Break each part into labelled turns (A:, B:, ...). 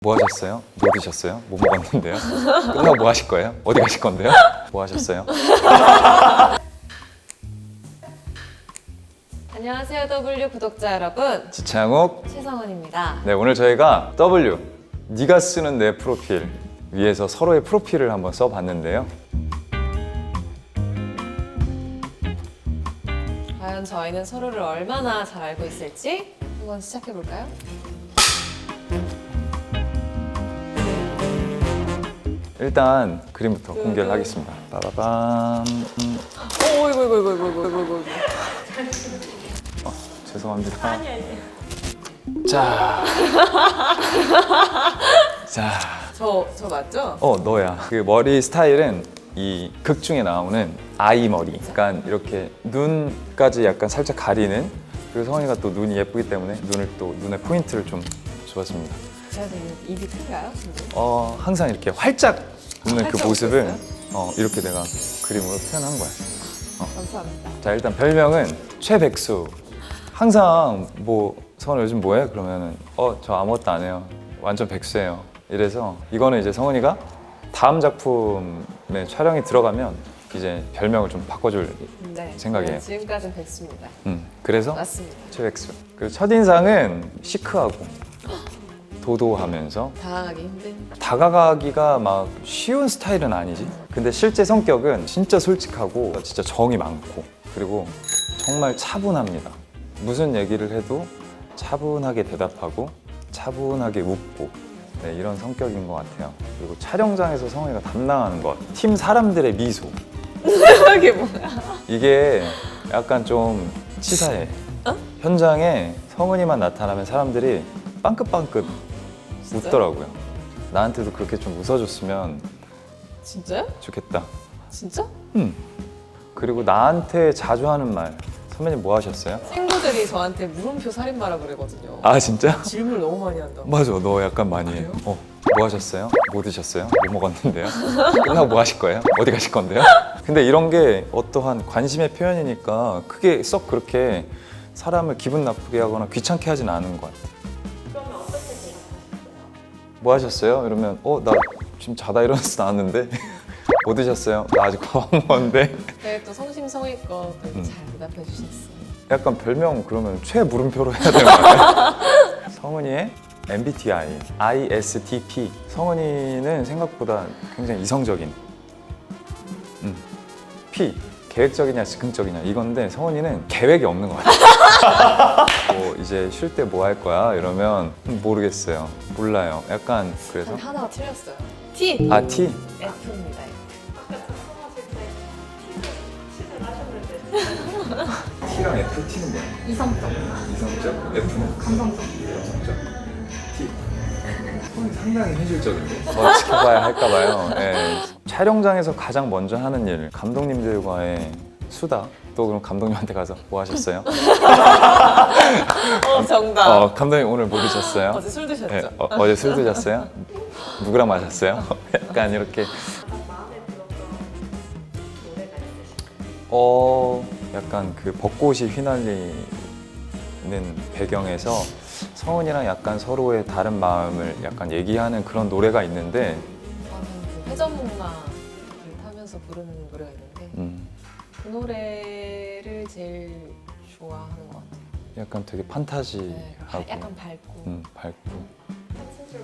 A: 뭐 하셨어요? 뭐 드셨어요? 뭐 먹었는데요? 끝나고 뭐 하실 거예요? 어디 가실 건데요? 뭐 하셨어요?
B: 안녕하세요 W 구독자 여러분,
A: 지창욱.
B: 최성원입니다.
A: 네, 오늘 저희가 W, 네가 쓰는 내 프로필 위에서 서로의 프로필을 한번 써봤는데요.
B: 과연 저희는 서로를 얼마나 잘 알고 있을지 한번 시작해볼까요?
A: 일단 그림부터 공개를 하겠습니다. 빠바밤.
B: 오, 이거.
A: 죄송합니다. 자. 자.
B: 저 맞죠?
A: 너야. 그 머리 스타일은 이 극 중에 나오는 아이 머리. 약간 이렇게 눈까지 약간 살짝 가리는. 그리고 성원이가 또 눈이 예쁘기 때문에 눈에 포인트를 좀 주었습니다.
B: 제가 되게 입이 큰가요? 근데?
A: 항상 이렇게 활짝 웃는 그
B: 활짝
A: 모습을
B: 웃었어요?
A: 이렇게 내가 그림으로 표현한 거야.
B: 감사합니다.
A: 자, 일단 별명은 최백수. 항상 성원 요즘 뭐해? 그러면은 저 아무것도 안 해요. 완전 백수예요. 이래서 이거는 이제 성원이가 다음 작품에 촬영이 들어가면 이제 별명을 좀 바꿔줄
B: 네,
A: 생각이에요.
B: 지금까지는 백수입니다.
A: 그래서
B: 맞습니다.
A: 최백수. 그리고 첫인상은 시크하고 도도하면서
B: 당황하기 힘든.
A: 다가가기가 막 쉬운 스타일은 아니지. 근데 실제 성격은 진짜 솔직하고 진짜 정이 많고 그리고 정말 차분합니다. 무슨 얘기를 해도 차분하게 대답하고 차분하게 웃고 이런 성격인 것 같아요. 그리고 촬영장에서 성원이가 담당하는 것, 팀 사람들의 미소.
B: 이게 뭐야?
A: 이게 약간 좀 치사해. 현장에 성은이만 나타나면 사람들이 빵긋빵긋
B: 진짜요?
A: 웃더라고요. 나한테도 그렇게 좀 웃어줬으면
B: 진짜요?
A: 좋겠다.
B: 진짜?
A: 그리고 나한테 자주 하는 말, 선배님 뭐 하셨어요?
B: 친구들이 저한테 물음표 살인마라 그러거든요.
A: 아, 진짜?
B: 질문을 너무 많이 한다고.
A: 맞아, 너 약간 많이 해. 뭐 하셨어요? 뭐 드셨어요? 뭐 먹었는데요? 끝나고 뭐 하실 거예요? 어디 가실 건데요? 근데 이런 게 어떠한 관심의 표현이니까 크게 썩 그렇게 사람을 기분 나쁘게 하거나 귀찮게 하진 않은 것 같아.
C: 그러면 어떻게 대답하셨어요?
A: 뭐 하셨어요? 이러면 나 지금 자다 일어나서 나왔는데 뭐 드셨어요? 나 아직 밥 안 먹었는데.
B: 네, 또 성심성의껏 되게 잘 대답해 주셨어요.
A: 약간 별명 그러면 최물음표로 해야 되는 거 아니에요? 성은이의 MBTI, ISTP. 성은이는 생각보다 굉장히 이성적인. P, 계획적이냐 즉흥적이냐 이건데 성은이는 계획이 없는 것 같아요. 이제 쉴 때 뭐 할 거야? 이러면 모르겠어요. 몰라요. 약간 그래서
B: 하나가 틀렸어요. T.
A: T?
B: F입니다.
C: 아까 작성하실 때 시즌 하셨는데
A: T랑 F, T는 뭐야?
C: 이성적,
A: 이성적? F는?
C: 감성적.
A: 감성적? T. 상당히 현실적인데 지켜봐야 할까봐요. 촬영장에서 가장 먼저 하는 일, 감독님들과의 수다. 또 그럼 감독님한테 가서 뭐 하셨어요?
B: 정답.
A: 감독님 오늘 뭐 드셨어요?
B: 어제 술 드셨죠?
A: 어제 술 드셨어요? 누구랑 마셨어요? 약간 이렇게.
C: 가장 마음에 들었던 노래가 있으신가요?
A: 약간 그 벚꽃이 휘날리는 배경에서 성은이랑 약간 서로의 다른 마음을 약간 얘기하는 그런 노래가 있는데
B: 저는 그 회전목마를 타면서 부르는 노래가 있는데 그 노래를 제일 좋아하는 것 같아요.
A: 약간 되게 판타지하고
B: 네, 약간 밝고.
A: 밝고.
C: 한 소절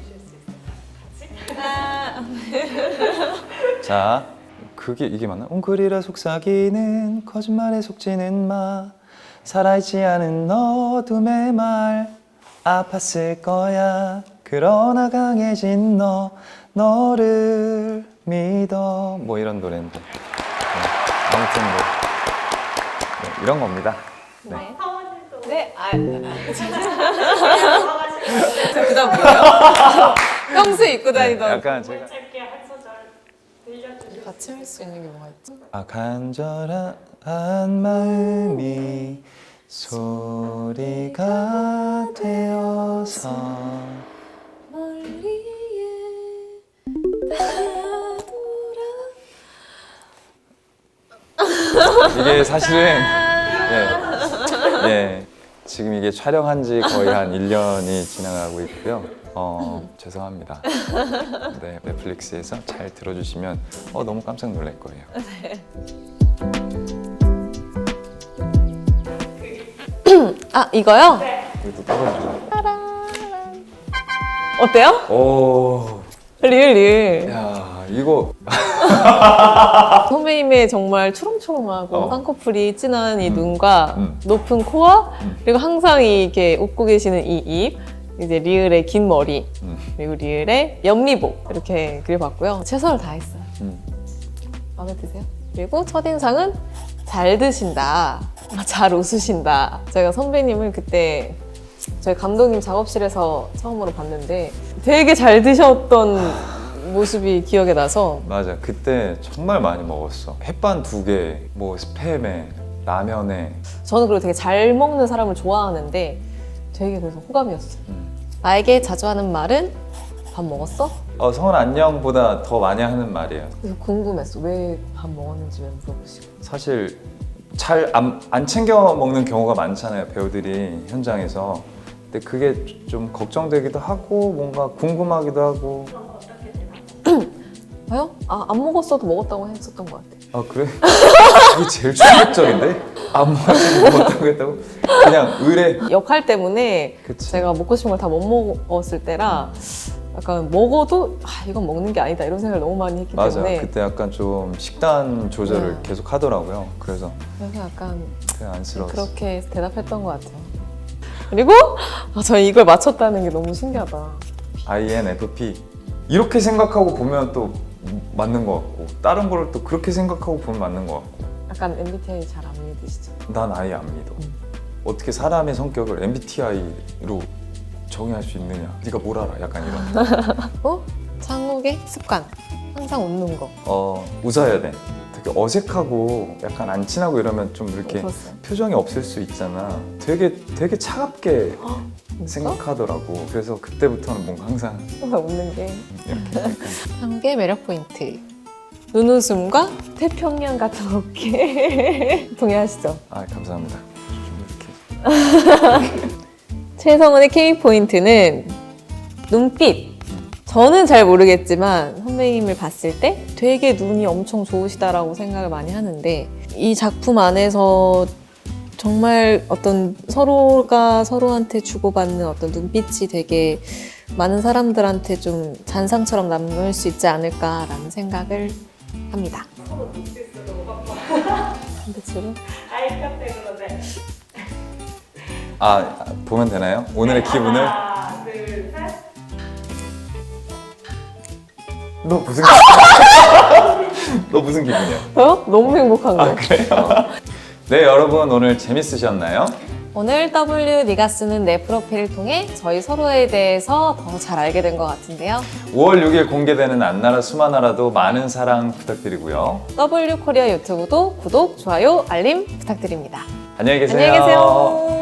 C: 불러주실 수 있어요? 같이?
A: 자, 이게 맞나? 웅크리라 속삭이는 거짓말에 속지는 마 살아있지 않은 어둠의 말 아팠을 거야 그러나 강해진 너를 믿어 이런 노래인데 아무튼 이런 겁니다. 네.
C: 성원님도
B: 네,
C: 성원님도
B: 그다음 뭐예요? 평소에 입고 다니던.
A: 약간 제가
C: 짧게 한 소절 들려주실
B: 같이 할 수 있는 게 뭐가 있지?
A: 간절한 마음이 소리가 되어서
B: 멀리에 따돌아.
A: 이게 사실은 지금 이게 촬영한 지 거의 한 1년이 지나가고 있고요. 죄송합니다. 네, 넷플릭스에서 잘 들어주시면 너무 깜짝 놀랄 거예요.
B: 아, 이거요?
A: 여기도 떨어지고.
B: 어때요?
A: 오,
B: 리을.
A: 야, 이거
B: 선배님의 정말 초롱초롱하고 쌍꺼풀이 진한 이 눈과 높은 코와 그리고 항상 이렇게 웃고 계시는 이 입, 이제 리을의 긴 머리, 그리고 리을의 옆미복 이렇게 그려봤고요. 최선을 다했어요. 마음에 드세요? 그리고 첫인상은 잘 드신다, 잘 웃으신다. 제가 선배님을 그때 저희 감독님 작업실에서 처음으로 봤는데 되게 잘 드셨던 모습이 기억에 나서.
A: 맞아. 그때 정말 많이 먹었어. 햇반 2개, 뭐 스팸에, 라면에.
B: 저는 그리고 되게 잘 먹는 사람을 좋아하는데 되게 그래서 호감이었어요. 나에게 자주 하는 말은 밥 먹었어?
A: 성은 안녕보다 더 많이 하는 말이에요.
B: 그래서 궁금했어. 왜 밥 먹었는지 왜 물어보시고.
A: 사실 잘 안 챙겨 먹는 경우가 많잖아요, 배우들이 현장에서. 근데 그게 좀 걱정되기도 하고 뭔가 궁금하기도 하고.
C: 그럼 어떻게 대답?
B: 왜요? 안 먹었어도 먹었다고 했었던 것 같아요.
A: 아 그래? 그게 제일 충격적인데? 안 먹었다고 했다고? 그냥 의뢰.
B: 역할 때문에
A: 그치.
B: 제가 먹고 싶은 걸 다 못 먹었을 때라 약간 먹어도 이건 먹는 게 아니다 이런 생각을 너무 많이 했기
A: 맞아.
B: 때문에.
A: 그때 약간 좀 식단 조절을
B: 네.
A: 계속 하더라고요. 그래서
B: 그래서 약간
A: 되게 안쓰러웠어.
B: 그렇게 대답했던 것 같아요. 그리고 저 이걸 맞췄다는 게 너무 신기하다.
A: INFP 이렇게 생각하고 보면 또 맞는 것 같고 다른 거를 또 그렇게 생각하고 보면 맞는 것 같고.
B: 약간 MBTI 잘 안 믿으시죠?
A: 난 아예 안 믿어. 어떻게 사람의 성격을 MBTI로 정의할 수 있느냐? 네가 뭘 알아? 약간 이런.
B: 창욱의 습관. 항상 웃는 거.
A: 웃어야 돼. 되게 어색하고 약간 안 친하고 이러면 좀 이렇게
B: 웃었어요.
A: 표정이 없을 수 있잖아. 되게 차갑게
B: 진짜?
A: 생각하더라고. 그래서 그때부터는 뭔가 항상
B: 항상 웃는 게.
A: 이렇게 약간
B: 창욱의 매력 포인트. 눈웃음과 태평양 같은 어깨. 동의하시죠?
A: 감사합니다. 좀 이렇게
B: 최성은의 K 포인트는 눈빛. 저는 잘 모르겠지만 선배님을 봤을 때 되게 눈이 엄청 좋으시다라고 생각을 많이 하는데 이 작품 안에서 정말 어떤 서로가 서로한테 주고받는 어떤 눈빛이 되게 많은 사람들한테 좀 잔상처럼 남을 수 있지 않을까라는 생각을 합니다.
C: 서로 눈빛으로 바꿔.
B: 눈빛으로?
C: 아이컨택으로 네.
A: 보면 되나요? 오늘의 기분을.
C: 하나, 둘, 셋.
A: 너 무슨 기분이야? 너 무슨 기분이야?
B: 저요? 너무 행복한 거.
A: 그래요? 네, 여러분 오늘 재밌으셨나요?
B: 오늘 W 네가 쓰는 내 프로필을 통해 저희 서로에 대해서 더 잘 알게 된 것 같은데요.
A: 5월 6일 공개되는 안나라 수마나라도 많은 사랑 부탁드리고요.
B: W 코리아 유튜브도 구독, 좋아요, 알림 부탁드립니다.
A: 안녕히 계세요.
B: 안녕히 계세요.